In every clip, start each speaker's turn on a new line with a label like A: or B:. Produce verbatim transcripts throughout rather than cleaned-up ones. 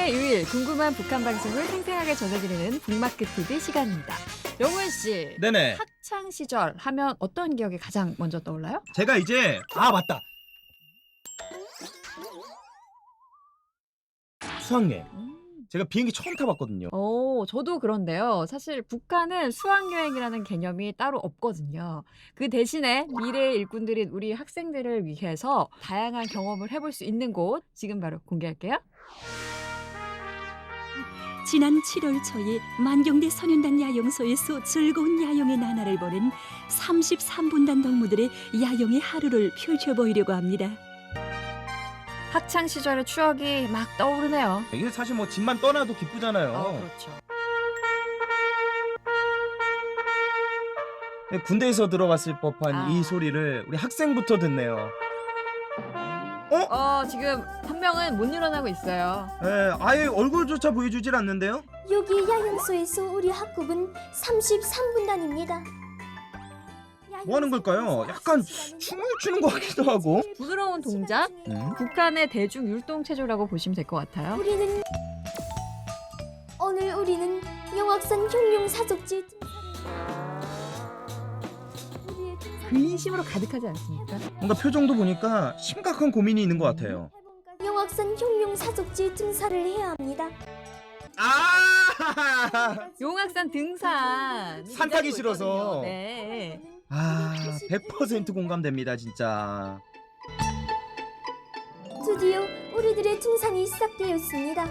A: 일주일에 유일 궁금한 북한 방송을 생생하게 전해드리는 북마크티비 시간입니다. 영훈 씨,
B: 네네.
A: 학창 시절 하면 어떤 기억이 가장 먼저 떠올라요?
B: 제가 이제 아 맞다. 수학여행.
A: 음.
B: 제가 비행기 처음 타봤거든요.
A: 오, 저도 그런데요. 사실 북한은 수학여행이라는 개념이 따로 없거든요. 그 대신에 미래의 일꾼들인 우리 학생들을 위해서 다양한 경험을 해볼 수 있는 곳 지금 바로 공개할게요.
C: 지난 칠월 초에 만경대 선윤단 야영소에서 즐거운 야영의 나날을 보낸 삼십삼 분단 동무들의 야영의 하루를 펼쳐보이려고 합니다.
A: 학창 시절의 추억이 막 떠오르네요.
B: 이게 사실 뭐 집만 떠나도 기쁘잖아요.
A: 어, 그렇죠.
B: 군대에서 들어봤을 법한
A: 아.
B: 이 소리를 우리 학생부터 듣네요.
A: 어, 지금 한 명은 못 일어나고 있어요.
B: 예, 아예 얼굴조차 보여주질 않는데요.
D: 여기 야영소에서 우리 학급은 삼십삼 분단입니다.
B: 뭐 하는 걸까요? 약간 춤을 추는 것 같기도 하고.
A: 부드러운 동작?
B: 음?
A: 북한의 대중 율동체조라고 보시면 될 것 같아요.
D: 우리는 오늘 우리는 영악산 경룡 사족지 우리의 등산을
A: 근심으로 가득하지 않습니까?
B: 뭔가 표정도 보니까 심각한 고민이 있는 것 같아요.
D: 영악산 경룡 사족지 등산을 해야 합니다.
B: 아!
A: 용악산 등산.
B: 산 타기 싫어서.
A: 네.
B: 아, 백 퍼센트 공감됩니다, 진짜.
D: 드디어 우리들의 등산이 시작되었습니다.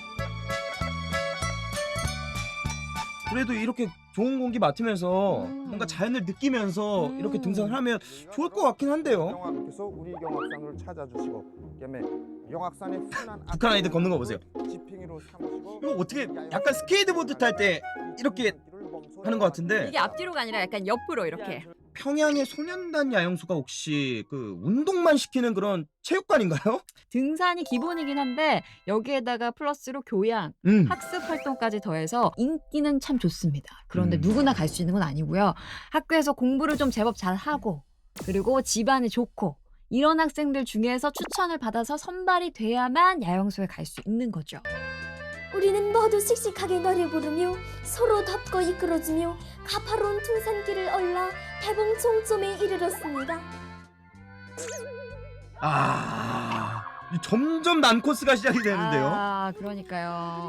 B: 그래도 이렇게 좋은 공기 맡으면서
A: 음.
B: 뭔가 자연을 느끼면서
A: 음.
B: 이렇게 등산을 하면 좋을 것 같긴 한데요.
E: 영학께서 우리 영악산을 찾아주시고 그다음에 영악산의 순한
B: 북한 아이들 걷는 거 보세요.
E: 지팽이로 삼으시고
B: 이거 어떻게 약간 스케이트보드 탈 때 이렇게 하는 것 같은데
A: 이게 앞뒤로가 아니라 약간 옆으로 이렇게.
B: 평양의 소년단 야영소가 혹시 그 운동만 시키는 그런 체육관인가요?
A: 등산이 기본이긴 한데 여기에다가 플러스로 교양,
B: 음.
A: 학습 활동까지 더해서 인기는 참 좋습니다. 그런데
B: 음.
A: 누구나 갈 수 있는 건 아니고요. 학교에서 공부를 좀 제법 잘 하고 그리고 집안이 좋고 이런 학생들 중에서 추천을 받아서 선발이 돼야만 야영소에 갈 수 있는 거죠.
D: 우리는 모두 씩씩하게 노래 부르며 서로 덮고 이끌어주며 가파로운 등산길을 올라 대봉 종점에 이르렀습니다.
B: 아, 이 점점 난 코스가 시작이 되는데요.
A: 아, 그러니까요.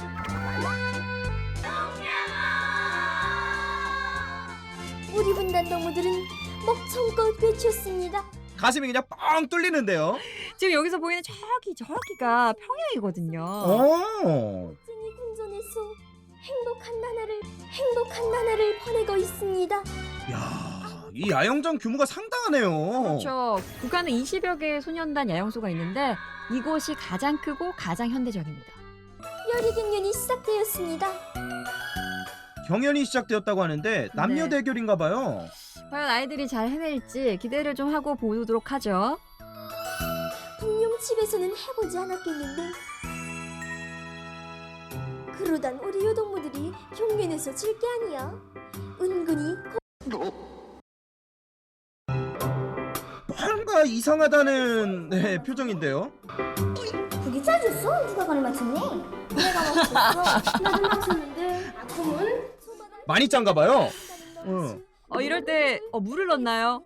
D: 우리 분단 동무들은 목청껏 외쳤습니다.
B: 가슴이 그냥 뻥 뚫리는데요.
A: 지금 여기서 보이는 저기 저기가 평양이거든요.
B: 어.
D: 찐이 궁전에서 행복한 나날을 행복한 나날을 보내고 있습니다.
B: 야, 이 야영장 규모가 상당하네요.
A: 그렇죠. 북한은 이십여 개의 소년단 야영소가 있는데 이곳이 가장 크고 가장 현대적입니다.
D: 열의 경연이 시작되었습니다.
B: 경연이 시작되었다고 하는데 남녀
A: 네.
B: 대결인가 봐요.
A: 과연 아이들이 잘 해낼지 기대를 좀 하고 보도록 하죠.
D: 분명 집에서는 해보지 않았겠는데 그러단 우리 요동무들이 경연에서 질 게 아니야. 은근히
B: 뭔가 이상하다는 네, 표정인데요.
D: 그게 짜줬어? 누가 발을 맞췄니? 내가 맞췄어. 나도 맞췄는데 그러면
B: 많이 짠가 봐요. 응.
A: 어, 이럴 때 어, 물을 넣나요?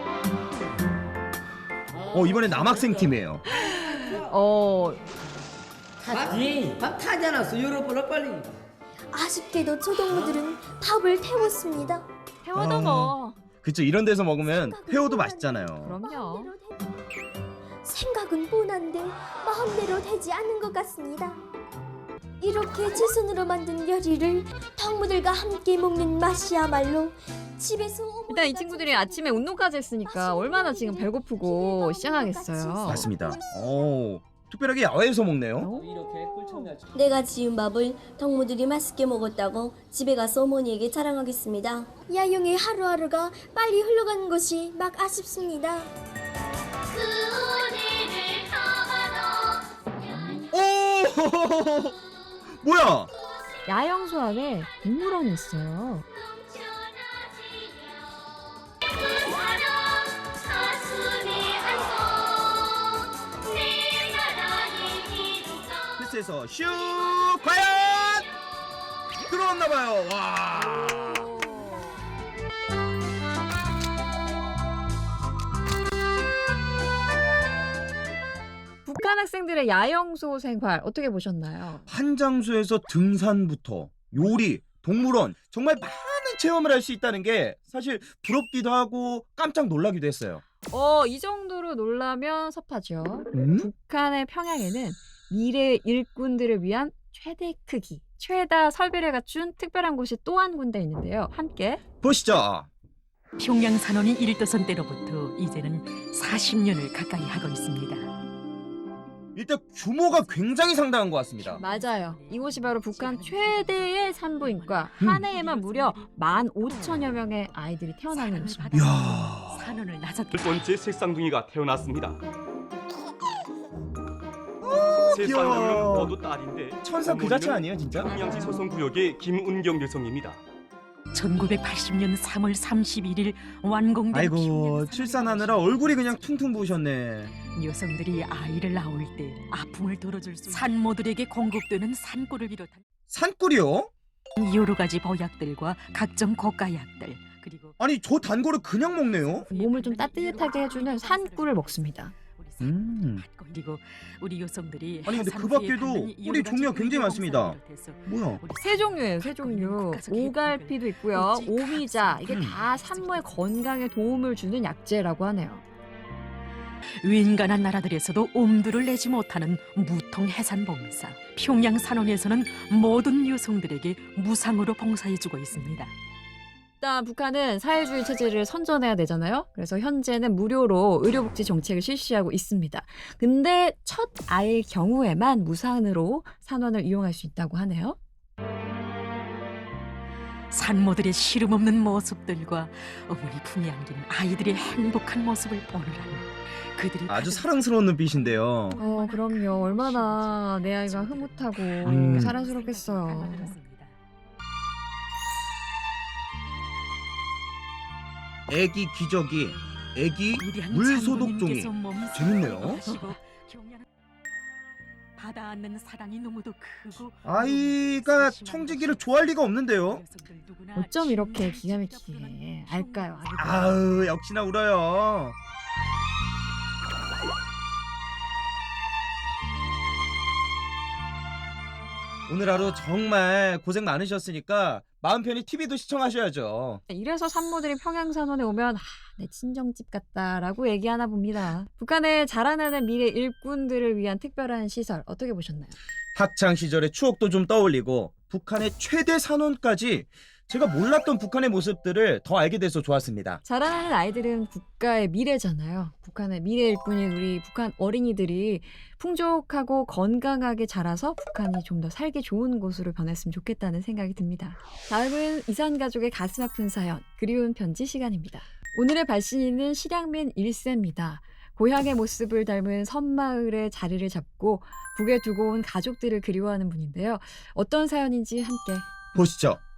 B: 어, 이번에 남학생 팀이에요.
A: 어,
F: 탔지? 밥 타지 않았어. 열어보라 빨리.
D: 아쉽게도 조동무들은 밥을 태웠습니다.
A: 태워도
B: 아.
A: 뭐.
B: 그쵸, 이런 데서 먹으면 회오도 맛있잖아요.
A: 그럼요.
D: 생각은 뻔한데 마음대로 되지 않는 것 같습니다. 이렇게 제 손으로 만든 요리를 동무들과 함께 먹는 맛이야말로 집에서
A: 일단 이 친구들이 아침에 운동까지 했으니까 얼마나 지금 배고프고 시장하겠어요.
B: 맞습니다. 오, 특별하게 야외에서 먹네요.
F: 이렇게 꿀청날
D: 내가 지은 밥을 동무들이 맛있게 먹었다고 집에 가서 어머니에게 자랑하겠습니다. 야영의 하루하루가 빨리 흘러가는 것이 막 아쉽습니다.
B: 오, 뭐야?
A: 야영소 안에 동물원이 있어요.
B: 박스에서 슉 과연 들어왔나봐요. 와.
A: 북한 학생들의 야영소 생활 어떻게 보셨나요?
B: 한 장소에서 등산부터 요리, 동물원 정말 많은 체험을 할 수 있다는 게 사실 부럽기도 하고 깜짝 놀라기도 했어요.
A: 어, 이 정도로 놀라면 섭하죠.
B: 음?
A: 북한의 평양에는 미래 일꾼들을 위한 최대 크기, 최다 설비를 갖춘 특별한 곳이 또 한 군데 있는데요. 함께
B: 보시죠.
C: 평양 산원이 일도선 때로부터 이제는 사십 년을 가까이 하고 있습니다.
B: 일단 규모가 굉장히 상당한 것 같습니다.
A: 맞아요. 이곳이 바로 북한 최대의 산부인과.
B: 음.
A: 한 해에만 무려 만 오천여 명의 아이들이 태어나는 곳입니다.
B: 이야.
C: 산원을 나섰
G: 첫 번째 색상둥이가 태어났습니다. 세
B: 귀여워.
G: 쌍둥이는 모두 딸인데
B: 천사 그 자체 아니에요, 진짜?
G: 평양시 소송구역의 김운경 여성입니다.
C: 천구백팔십 년 삼월 삼십일일 완공된
B: 아이고,
C: 평양
B: 출산하느라
C: 산업의
B: 얼굴이 그냥 퉁퉁 부으셨네.
C: 여성들이 아이를 낳을 때 아픔을 덜어줄 수 산모들에게 공급되는 산꿀을 비롯한
B: 산꿀이요?
C: 여러 가지 보약들과 각종 고가약들 그리고
B: 아니, 저 단거를 그냥 먹네요.
A: 몸을 좀 따뜻하게 해주는 산꿀을 먹습니다.
B: 음.
C: 그리고 우리 여성들이
B: 아니, 근데 그
C: 해산 후에
B: 밖에도
C: 받는
B: 꿀이
C: 여러 가지
B: 종류가 굉장히 많습니다.
C: 의료 봉사를 비롯해서
B: 뭐야?
C: 우리
A: 세 종류예요, 세 종류. 오갈피도 있고요. 오미자. 이게
B: 음.
A: 다 산모의 건강에 도움을 주는 약재라고 하네요.
C: 윈간한 나라들에서도 엄두를 내지 못하는 무통 해산 봉사. 평양 산원에서는 모든 여성들에게 무상으로 봉사해주고 있습니다.
A: 일단 북한은 사회주의 체제를 선전해야 되잖아요. 그래서 현재는 무료로 의료복지 정책을 실시하고 있습니다. 근데 첫 아이의 경우에만 무상으로 산원을 이용할 수 있다고 하네요.
C: 산모들의 시름 없는 모습들과 어머니 품에 안긴 아이들의 행복한 모습을 보느라니 그들이
B: 아주
C: 가진
B: 사랑스러운 눈빛인데요.
A: 어, 그럼요. 얼마나 내 아이가 흐뭇하고
B: 음.
A: 사랑스럽겠어요.
B: 애기 기저귀, 애기
C: 위대한
B: 물 소독
C: 장군님께서
B: 종이.
C: 몸이
B: 재밌네요.
C: 하시고 경련한 받아안는 사랑이 너무도 크고
B: 아이가 청지기를 좋아할 리가 없는데요.
A: 어쩜 이렇게 기가 막히게 알까요? 아이고.
B: 아우, 역시나 울어요. 오늘 하루 정말 고생 많으셨으니까 마음 편히 티비도 시청하셔야죠.
A: 이래서 산모들이 평양산원에 오면 아, 내 친정집 같다라고 얘기하나 봅니다. 북한의 자라나는 미래 일꾼들을 위한 특별한 시설 어떻게 보셨나요?
B: 학창 시절의 추억도 좀 떠올리고 북한의 최대 산원까지 제가 몰랐던 북한의 모습들을 더 알게 돼서 좋았습니다.
A: 자라나는 아이들은 국가의 미래잖아요. 북한의 미래 일꾼인 우리 북한 어린이들이 풍족하고 건강하게 자라서 북한이 좀 더 살기 좋은 곳으로 변했으면 좋겠다는 생각이 듭니다. 다음은 이산 가족의 가슴 아픈 사연, 그리운 편지 시간입니다. 오늘의 발신인은 실향민 일 세입니다. 고향의 모습을 닮은 섬마을에 자리를 잡고 북에 두고 온 가족들을 그리워하는 분인데요. 어떤 사연인지 함께
B: 보시죠.